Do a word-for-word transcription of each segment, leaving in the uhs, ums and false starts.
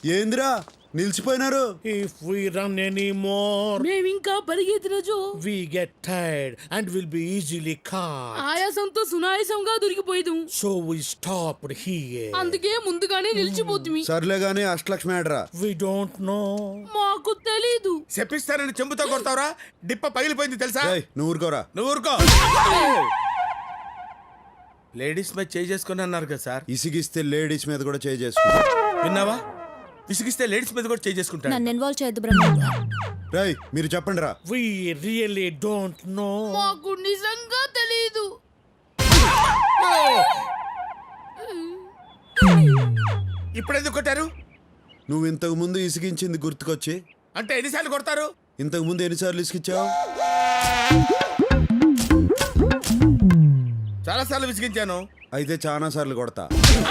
ఏందిరా నిలిచిపోయినారు? If we run any more, మేము ఇంకా పరిగెత్తిన జో we get tired and will be easily caught. ఆయాసంతో సునాయాసంగా దొరికిపోయేదు. So we stopped here. అందుకే ముందుగానే నిలిచిపోతుంది. సర్లే గానీ అష్టలక్ష్మి ఆడరా. We don't know. మాకు తెలీదు. చెప్పిస్తానని చెంబుతో కొడతావురా? డిప్ప పగిలిపోయింది తెలుసా? ఏయ్, నువ్వు ఊరుకోరా. నువ్వు ఊరుకో. లేడీస్ మీద చేయి చేసుకుని అన్నారు కదా సార్. ఇసిగిస్తే లేడీస్ మీద కూడా చేయి చేసుకుంటా. విన్నావా? విసిగిస్తే లేడీస్ మీద కూడా చేయి చేసుకుంటాను. నన్ను ఇన్వాల్వ్ చేయొద్దు బ్రహ్మ. రేయ్ మీరు చెప్పండి రా. We really don't know. మాకు నిజంగా తెలీదు. ఇప్పుడు ఎందుకు కొట్టారు? నువ్వు ఇంతకు ముందు ఇసిగించింది గుర్తుకొచ్చి. అంటే ఎన్నిసార్లు కొడతారు? ఇంతకు ముందు ఎన్నిసార్లు ఇసిగించావు? చాలా సార్లు విసిగించాను. అయితే చాలా సార్లు కొడతా.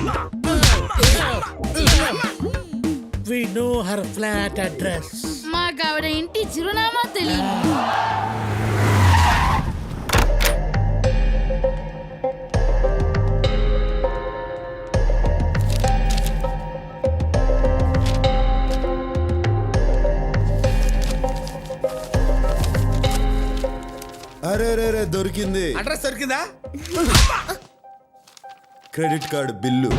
We know her flat address. మాకు ఆవిడ ఇంటి చిరునామా తెలియదు. అరే రే రే దొరికింది. అడ్రస్ దొరికిందా? Credit card bill.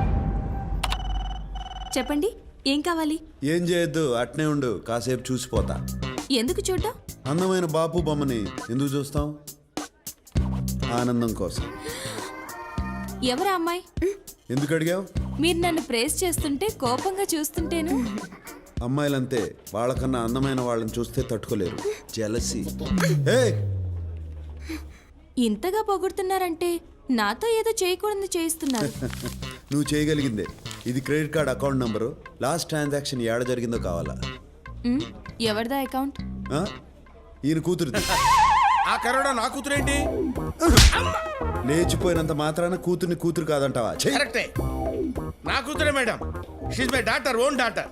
చెప్పండి, ఏం కావాలి? ఏం చేయొద్దు, అట్నే ఉండు, కాసేపు చూసిపోతా. ఎందుకు చూడ్డం? అందమైన బాపు బొమ్మని ఎందుకు చూస్తాం? ఆనందం కోసం. ఎవరా అమ్మాయి? ఎందుకు అడిగావు? మీరు నన్ను ప్రేస్ చేస్తుంటే కోపంగా చూస్తుంటేను. అమ్మాయిలంతే, వాళ్ళకన్నా అందమైన వాళ్ళని చూస్తే తట్టుకోలేరు. జెలసీ. ఏయ్, ఇంతగా పొగుడుతున్నారంటే నాతో ఏదో చేయకూడదు చేయిస్తున్నారు. నువ్వు చేయగలిగిందే. ఇది credit card account number. Last transaction ఏడ జరిగిందో కావాలా? ఉమ్, ఎవరిదా అకౌంట్? ఆ? ఈయన కూతురుది. ఆ కరోనా నా కూతురేంటి? లేచిపోయినంత మాత్రాన కూతుర్ని కూతురు కాదంటావా? ఛీ! కరెక్టే, నా కూతురే madam. She's my daughter, own daughter.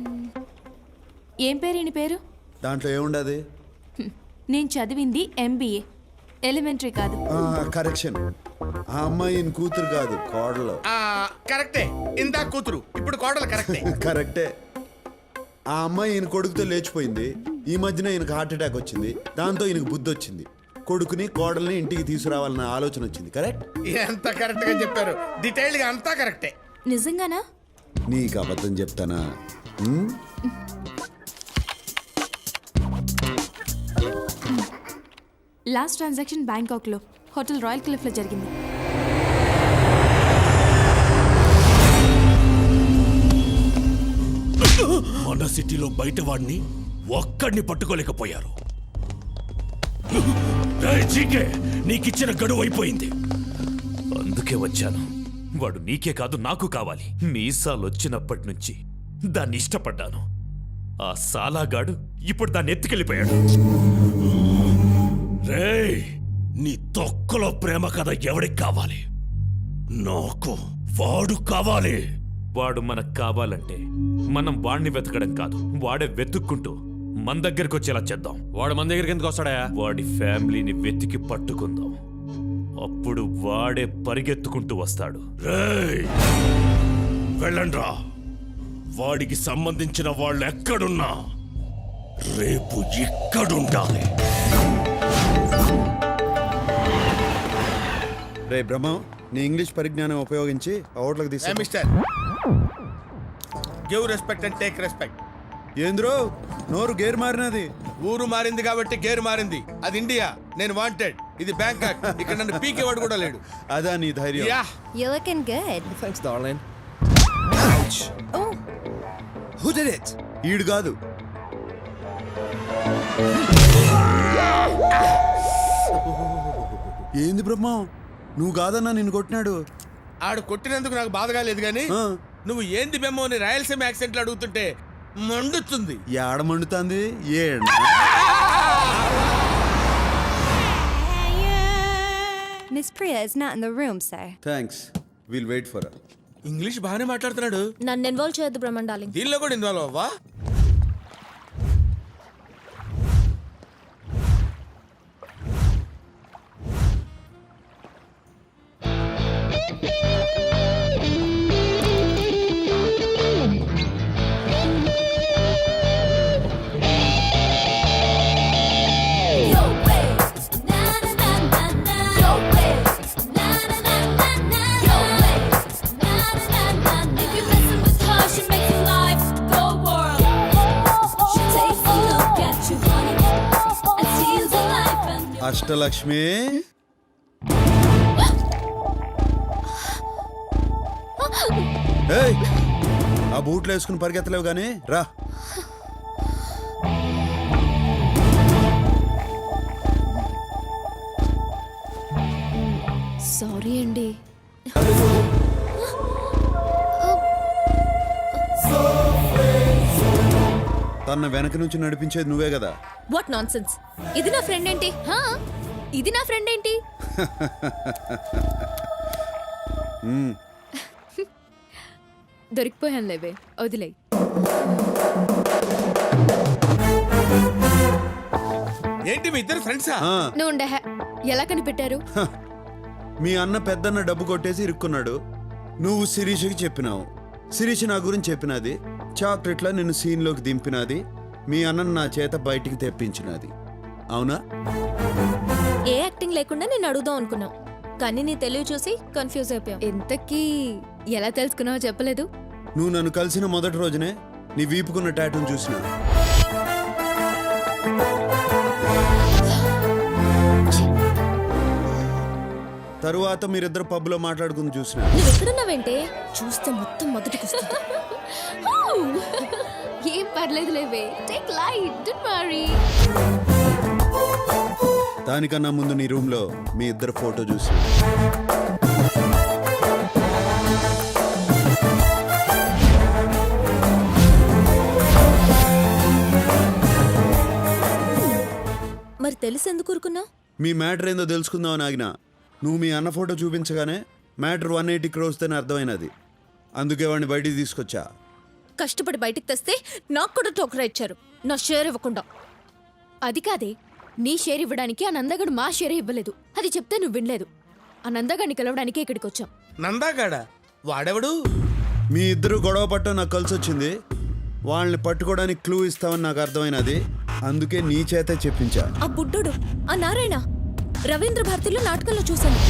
ఏం పేరు ఈయన పేరు? దాంట్లో ఏముండదు? హ్మ్, నేను చదివింది ఎంబీఏ, ఎలిమెంటరీ కాదు. కరెక్షన్. ఆ అమ్మాయి ఈయన కూతురు కాదు, కోడలు. ఆ కరెక్టే, ఇందా కూతురు, ఇప్పుడు కోడలు. కరెక్టే కరెక్టే. ఆ అమ్మాయి ఈయన కొడుకుతో లేచిపోయింది. ఈ మధ్యన ఈయనకు హార్ట్ అటాక్ వచ్చింది. దాంతో ఈయనకు బుద్ధి వచ్చింది. కొడుకుని కోడల్ని ఇంటికి తీసుకురావాలన్న ఆలోచన వచ్చింది. కరెక్ట్? ఎంత కరెక్ట్ గా చెప్పారు. డీటెయిల్డ్ గా అంతా కరెక్టే. నిజంగానా? నీకు అబద్ధం చెప్తానా? ఉమ్? లాస్ట్ ట్రాన్సాక్షన్ బ్యాంకాక్లో హోటల్ రాయల్ క్లిఫ్లో జరిగింది. మన సిటీలో బయట వాడిని ఒక్కడిని పట్టుకోలేకపోయారు. నీకిచ్చిన గడువు అయిపోయింది. అందుకే వచ్చాను. వాడు నీకే కాదు నాకు కావాలి. మీసాలు వచ్చినప్పటి నుంచి దాన్ని ఇష్టపడ్డాను. ఆ సాలాగాడు ఇప్పుడు దాన్ని ఎత్తుకెళ్ళిపోయాడు. రేయ్, నీ తొక్కలో ప్రేమ కథ ఎవడికి కావాలి? నాకు వాడు కావాలి. వాడు మనకు కావాలంటే మనం వాడిని వెతకడం కాదు, వాడే వెతుక్కుంటూ మన దగ్గరికి వచ్చేలా చేద్దాం. వాడు మన దగ్గరికి ఎందుకు వస్తాడా? వాడి ఫ్యామిలీని వెతికి పట్టుకుందాం. అప్పుడు వాడే పరిగెత్తుకుంటూ వస్తాడు. రేయ్, వెళ్ళండ్రా. వాడికి సంబంధించిన వాళ్ళు ఎక్కడున్నా రేపు ఇక్కడుండాలి. రే బ్రహ్మం, నీ ఇంగ్లీష్ పరిజ్ఞానం ఉపయోగించి ఓట్లకు తీసా. Mister, give respect and take respect. ఏంద్రో నోరు గేర్ మారినది? ఊరు మారింది కాబట్టి గేరు మారింది. అది ఇండియా, నేను వాంటెడ్. ఇది బ్యాంకాక్, ఇక్కడ నన్ను పీకేవాడు కూడా లేడు. అదా నీ ధైర్యం? Yeah. You're looking good. Thanks, darling. Oh, Who did it? ఈడు కాదు. ఏంది బ్రహ్మం, నువ్వు కాదన్నా నిన్ను కొట్టినాడు. ఆడు కొట్టినందుకు నాకు బాధగా లేదు గానీ ఆ. నువ్వు ఏంది బెమ్మో అని రాయలసీమ యాక్సెంట్ లో అడుగుతుంటే మండుతుంది. ఏడ మండుతుంది? ఏడ Miss Priya is not in the room, sir. Thanks, will wait for. English బాగానే మాట్లాడుతున్నాడు. నన్ను ఇన్వాల్వ్ చేయొద్దు బ్రహ్మన్ డార్లింగ్. దీనిలో కూడా ఇన్వాల్వ్ అవ్వా? అష్టలక్ష్మి ఏయ్, ఆ బూట్లు వేసుకుని పరిగెత్తలేవు గానీ రా. సారీ అండి. తన వెనక నుంచి నడిపించేది నువ్వే కదా. What nonsense. ఇది నా ఫ్రెండ్ ఏంటి? హా? ఇది నా ఫ్రెండ్ ఏంటి? దొరికిపోయాను లేవే, వదిలే. ఏంటి మీ ఇద్దరు ఫ్రెండ్సా? ఆ, నువ్వు ఉండే హే. ఎలా కనిపెట్టారు? మీ అన్న పెద్దన్న డబ్బు కొట్టేసి ఇరుక్కున్నాడు. నువ్వు శిరీషకి చెప్పినావు, శిరీష్ నా గురించి చెప్పినది, చాక్లెట్లా నిన్ను సీన్లోకి దింపినది, మీ అన్నను నా చేత బయటికి తెప్పించినది. అవునా? ఏ యాక్టింగ్ లేకుండా నేను అడుగుదాం అనుకున్నావు, కానీ నీ తెలివి చూసి కన్ఫ్యూజ్ అయిపోయావు. ఇంతకీ ఎలా తెలుసుకున్నావో చెప్పలేదు. నువ్వు నన్ను కలిసిన మొదటి రోజునే నీ వీపుకున్న టాటూను చూసిన. తరువాత మీరిద్దరు పబ్లో మాట్లాడుకుని చూసిన. నువ్వు ఎక్కడున్నావేంటే? చూస్తే మొత్తం మొదటికి వస్తుంది. ఏం పర్లేదు లేవే, టేక్ లైట్, డోంట్ వరీ. దానికన్నా ముందు నీ రూమ్లో మీ ఇద్దరు ఫోటో చూసిన. మరి తెలిసి ఎందుకు ఊరుకున్నావు? మీ మ్యాటర్ ఏందో తెలుసుకుందామని ఆగిన. నువ్వు మీ అన్న ఫోటో చూపించగానే మ్యాటర్ వన్ ఎయిటీ క్రోర్స్ అని అర్థమైనది. అందుకే వాడిని బయటికి తీసుకొచ్చా. కష్టపడి బయటికి తెస్తే నాకు కూడా టోకరా ఇచ్చారు, నా షేర్ ఇవ్వకుండా. అది కాదే, నీ షేర్ ఇవ్వడానికి ఆ నందగడు మా షేర్ ఇవ్వలేదు. అది చెప్తే నువ్వు వినలేదు. ఆ నందగాడిని కలవడానికి ఇక్కడికి వచ్చాం. నందాగాడా? వాడెవడు? మీ ఇద్దరు గొడవ పట్టడం నాకు కలిసి వచ్చింది. వాళ్ళని పట్టుకోవడానికి క్లూ ఇస్తామని నాకు అర్థమైనది. అందుకే నీ చేతే చెప్పించా. ఆ బుడ్డోడు, ఆ నారాయణ, రవీంద్ర భారతిలో నాటకంలో చూశాను.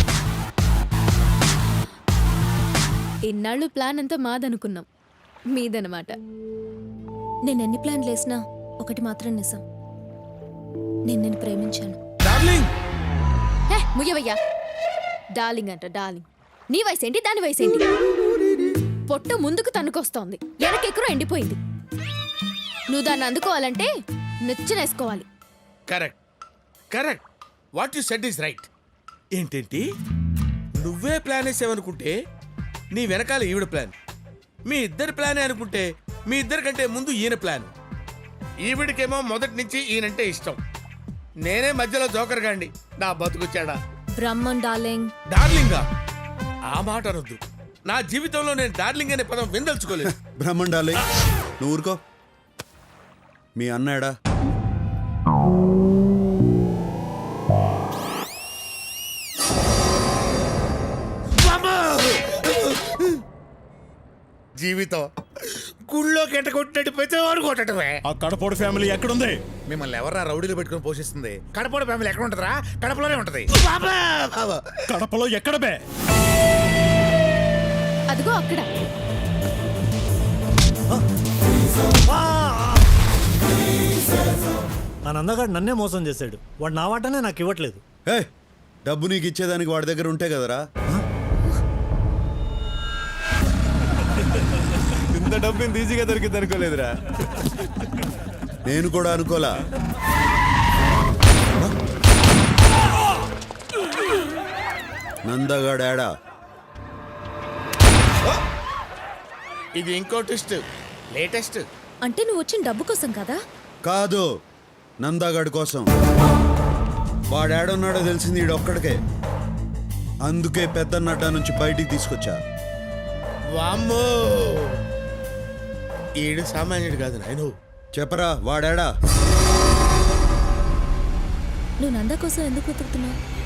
ఇన్నాళ్ళు ప్లాన్ అంతా మాదనుకున్నాం, మీదనమాట. నేను ఎన్ని ప్లాన్లు వేసినా ఒకటి మాత్రం నిజం, నేను నేను ప్రేమించాను. డార్లింగ్, హే, ముయ్యవయ్యా. డార్లింగ్ అంట డార్లింగ్. నీ వయసేంటి, దాని వయసేంటి? పొట్ట ముందుకు తన్నుకొస్తోంది, వెనకెక్కువ ఎండిపోయింది. నువ్వు దాన్ని అందుకోవాలంటే నెచ్చనేసుకోవాలి. Correct correct what you said is right. ఏంటేంటి, నువ్వే ప్లాన్ వేసావనుకుంటే నీ వెనకాల ఈవిడ ప్లాన్, మీ ఇద్దరి ప్లానే అనుకుంటే మీ ఇద్దరి కంటే ముందు ఈయన ప్లాన్. ఈవిడికేమో మొదటి నుంచి ఈయనంటే ఇష్టం, నేనే మధ్యలో జోకర్ గాండి. నా బతుకుచ్చాడా బ్రహ్మన్ డార్లింగ్. డార్లింగా? ఆ మాట అనొద్దు. నా జీవితంలో నేను డార్లింగ్ అనే పదం విందల్చుకోలేదు. బ్రహ్మండాలి, నువ్వు ఊరుకో. మీ అన్నాడా? జీవితం గుళ్ళో కెట్ట కొట్టినట్టు ప్రతివాడు కొట్టడమే. ఆ కడపోడు ఫ్యామిలీ ఎక్కడుంది? మిమ్మల్ని ఎవరా రౌడీలు పెట్టుకుని పోషిస్తుంది? కడపడ ఫ్యామిలీ ఎక్కడ ఉంటుందిరా? కడపలోనే ఉంటది. కడపలో ఎక్కడ బే? అదిగో అక్కడ. ఆ నందగాడు నన్నే మోసం చేశాడు. వాడు నా వాటనే నాకు ఇవ్వట్లేదు. ఏ, డబ్బు నీకు ఇచ్చేదానికి వాడి దగ్గర ఉంటే కదరా. ఇంత డబ్బు ఇంత ఈజీగా దొరికింది అనుకోలేదురా. నేను కూడా అనుకోలా. నందగాడా? ఇది ఇంకో ట్విస్ట్, లేటెస్ట్. అంటే నువ్వు వచ్చిన డబ్బు కోసం కదా? కాదు, నందాగాడి కోసం. వాడేడున్నాడో తెలిసింది ఈడొక్కడికే. అందుకే పెద్ద అడ్డా నుంచి బయటికి తీసుకొచ్చా. వామ్మో, ఈడు సామాన్యుడు కాదు నాయను. చెప్పరా, వాడేడా? నువ్వు నందా కోసం ఎందుకు వెతుకుతున్నావు?